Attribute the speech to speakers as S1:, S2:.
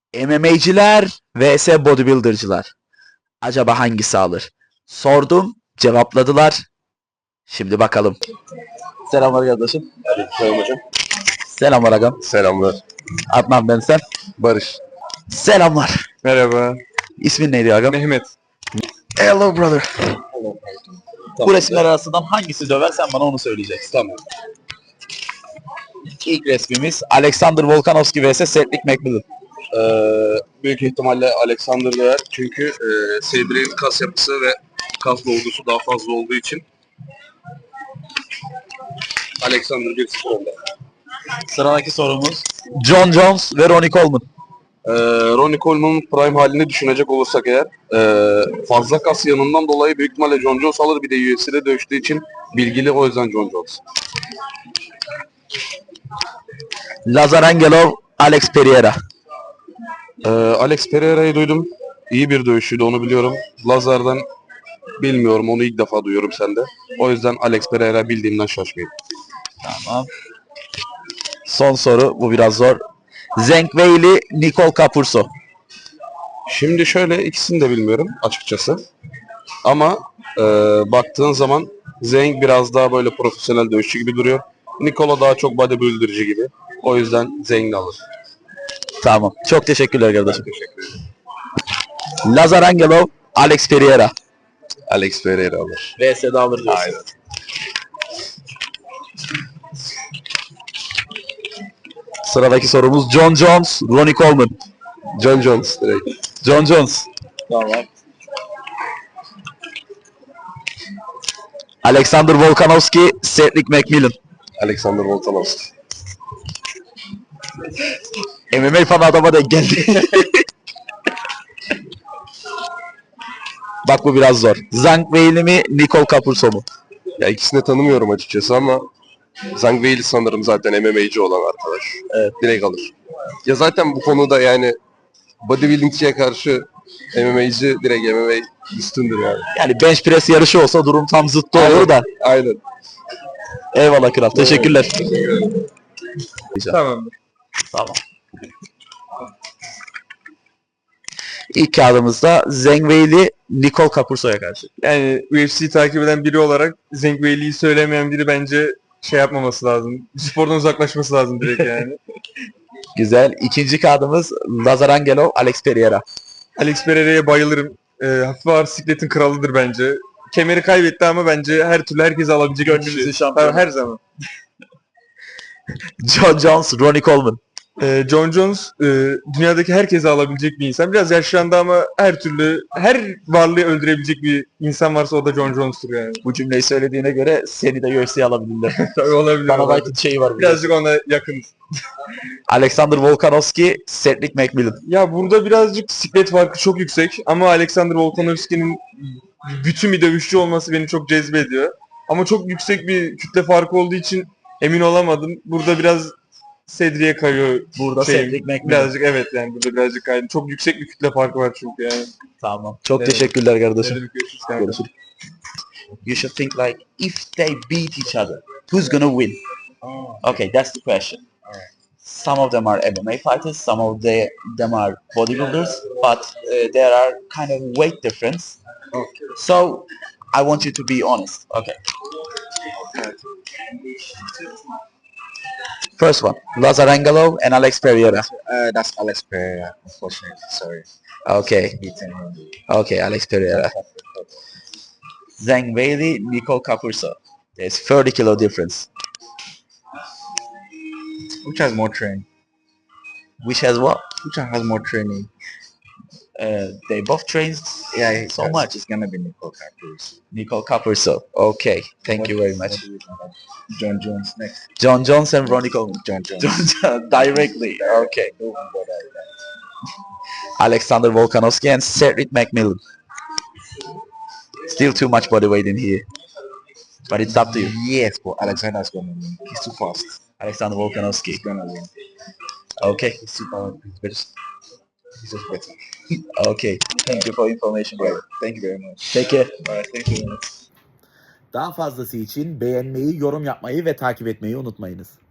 S1: MMA'ciler vs bodybuilder'cılar. Acaba hangisi alır? Sordum, cevapladılar. Şimdi bakalım. Selamlar kardeşim.
S2: Selam hocam.
S1: Selamlar agam.
S2: Selamlar.
S1: Adnan ben sen.
S2: Barış.
S1: Selamlar.
S2: Merhaba.
S1: İsmin neydi agam?
S2: Mehmet.
S1: Hello brother. Bu resimler arasından hangisi döver sen bana onu söyleyeceksin.
S2: Tamam.
S1: İlk resmimiz Alexander Volkanovski vs Cedric McMillan.
S2: Büyük ihtimalle Alexander döver. Çünkü Cedric'in kas yapısı ve kas dolgusu daha fazla olduğu için Alexander 1-0 önde.
S1: Sıradaki sorumuz John Jones ve Ronnie Coleman.
S2: Ronnie Coleman'ın prime halini düşünecek olursak eğer fazla kas yanından dolayı büyük ihtimalle John Jones alır. Bir de UFC'de dövüştüğü için bilgili, o yüzden John Jones.
S1: Lazar Angelov, Alex Pereira.
S2: Alex Pereira'yı duydum. İyi bir dövüşçüydü, onu biliyorum. Lazar'dan bilmiyorum, onu ilk defa duyuyorum sende. O yüzden Alex Pereira bildiğimden şaşmayayım.
S1: Tamam. Son soru, bu biraz zor. Zhang Weili, Nicole Capurso.
S2: Şimdi şöyle, ikisini de bilmiyorum açıkçası. Ama baktığın zaman Zhang biraz daha böyle profesyonel dövüşçü gibi duruyor. Nikola daha çok bodybuilder'cı gibi. O yüzden Zhang alır.
S1: Tamam. Çok teşekkürler kardeşim.
S2: Teşekkür ederim.
S1: Lazar Angelov, Alex Pereira.
S2: Alex Pereira alır.
S1: VS'de alır diyorsun.
S2: Aynen.
S1: Sıradaki sorumuz John Jones, Ronnie Coleman.
S2: John Jones direkt.
S1: John Jones. Tamam. Alexander Volkanovski, Cedric McMillan.
S2: Alexander Volkanovski.
S1: MMA fan adama denk geldi. Bak bu biraz zor. Zhang Weili mi, Nicole Capurso mu?
S2: Ya ikisini de tanımıyorum açıkçası ama Zhang Weili sanırım zaten MMA'ci olan arkadaş.
S1: Evet.
S2: Direkt alır. Ya zaten bu konuda yani bodybuildingçiye karşı MMA'ci direkt MMA üstündür yani.
S1: Yani bench press yarışı olsa durum tam zıttı olur da.
S2: Aynen.
S1: Eyvallah kral. Teşekkürler.
S3: Tamamdır.
S1: Tamam. İlk kağıdımızda Zhang Weili, Nicole Capurso'ya karşı.
S3: Yani UFC'yi takip eden biri olarak Zhang Weili'yi söylemeyen biri bence şey yapmaması lazım. Spordan uzaklaşması lazım direkt yani.
S1: Güzel. İkinci kağıdımız Lazar Angelov, Alex Pereira.
S3: Alex Pereira'ya bayılırım. Hafif ağır sikletin kralıdır bence. Kemeri kaybetti ama bence her türlü herkese alabilecek bir
S1: Gönlümüzün
S3: kişi.
S1: şampiyonu.
S3: Her zaman.
S1: John Jones, Ronnie Coleman.
S3: John Jones dünyadaki herkese alabilecek bir insan. Biraz yaşlandı ama her türlü, her varlığı öldürebilecek bir insan varsa o da John Jones'tur yani.
S1: Bu cümleyi söylediğine göre seni de UFC'ye alabilirler.
S3: Tabii olabilir.
S1: Dana
S3: olabilir.
S1: White'ın şeyi var.
S3: Birazcık ona yakın.
S1: Alexander Volkanovski, Cedric McMillan.
S3: Ya burada birazcık siklet farkı çok yüksek ama Alexander Volkanovski'nin bütün bir dövüşçü olması beni çok cezbediyor. Ama çok yüksek bir kütle farkı olduğu için emin olamadım. Burada biraz Cedric'e kayıyor.
S1: Burada Cedric McMillan.
S3: Birazcık evet yani burada birazcık kaydı. Çok yüksek bir kütle farkı var çünkü yani.
S1: Tamam. Çok
S3: Evet.
S1: teşekkürler kardeşim.
S3: Görüşürüz kanka.
S1: Görüşürüz. You should think like, if they beat each other, who's gonna win? Okay, that's the question. Some of them are MMA fighters, some of them are bodybuilders, but there are kind of weight difference. So I want you to be honest. Okay. First one, Lazar Angelov and Alex Pereira.
S4: That's Alex Pereira, unfortunately. Sorry.
S1: Okay.
S4: Beaten him.
S1: Okay, Alex Pereira. Zhang Weili, Nicole Capurso. There's 30 kilo difference.
S4: Which has more training?
S1: Which has what?
S4: Which one has more training?
S1: They both train
S4: Yeah,
S1: so much.
S4: It's gonna be Nicole Capurso.
S1: Nicole Capurso. Okay, thank you very much.
S4: What do you think of John Jones next.
S1: John Jones and Ronnie Coleman.
S4: John Jones.
S1: Directly. Okay.
S4: No one but
S1: Alexander Volkanovski and Cedric McMillan. Still too much body weight in here. But it's up to you.
S4: Yes, but Alexander's gonna win. He's too fast.
S1: Alexander Volkanovski.
S4: He's gonna win.
S1: Okay.
S4: He's super. He's just better.
S1: Okay. Thank you for information, brother.
S4: Thank you very much.
S1: Take care.
S4: Alright, thank you very much.
S1: Daha fazlası için beğenmeyi, yorum yapmayı ve takip etmeyi unutmayınız.